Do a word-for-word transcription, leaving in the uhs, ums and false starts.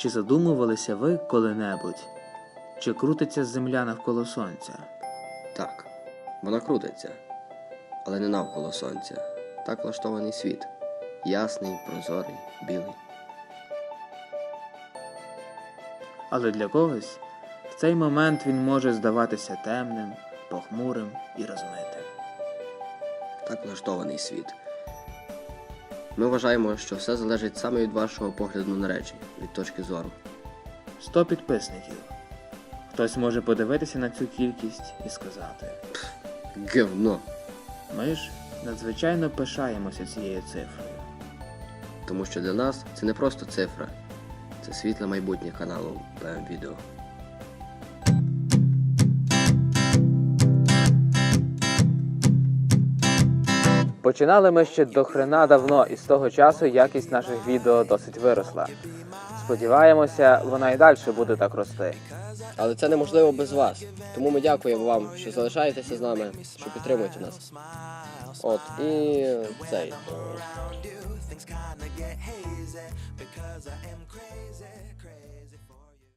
Чи задумувалися ви коли-небудь, чи крутиться земля навколо сонця? Так, вона крутиться, але не навколо сонця. Так влаштований світ. Ясний, прозорий, білий. Але для когось в цей момент він може здаватися темним, похмурим і розмитим. Так влаштований світ. Ми вважаємо, що все залежить саме від вашого погляду на речі, від точки зору. Сто підписників. Хтось може подивитися на цю кількість і сказати: Гівно! ми ж надзвичайно пишаємося цією цифрою. Тому що для нас це не просто цифра. Це світле майбутнє каналу пе ем Відео. Починали ми ще дохрена давно, і з того часу якість наших відео досить виросла. Сподіваємося, вона і далі буде так рости. Але це неможливо без вас. Тому ми дякуємо вам, що залишаєтеся з нами, що підтримуєте нас. От, і цей. Things kinda get hazy because I am crazy, crazy.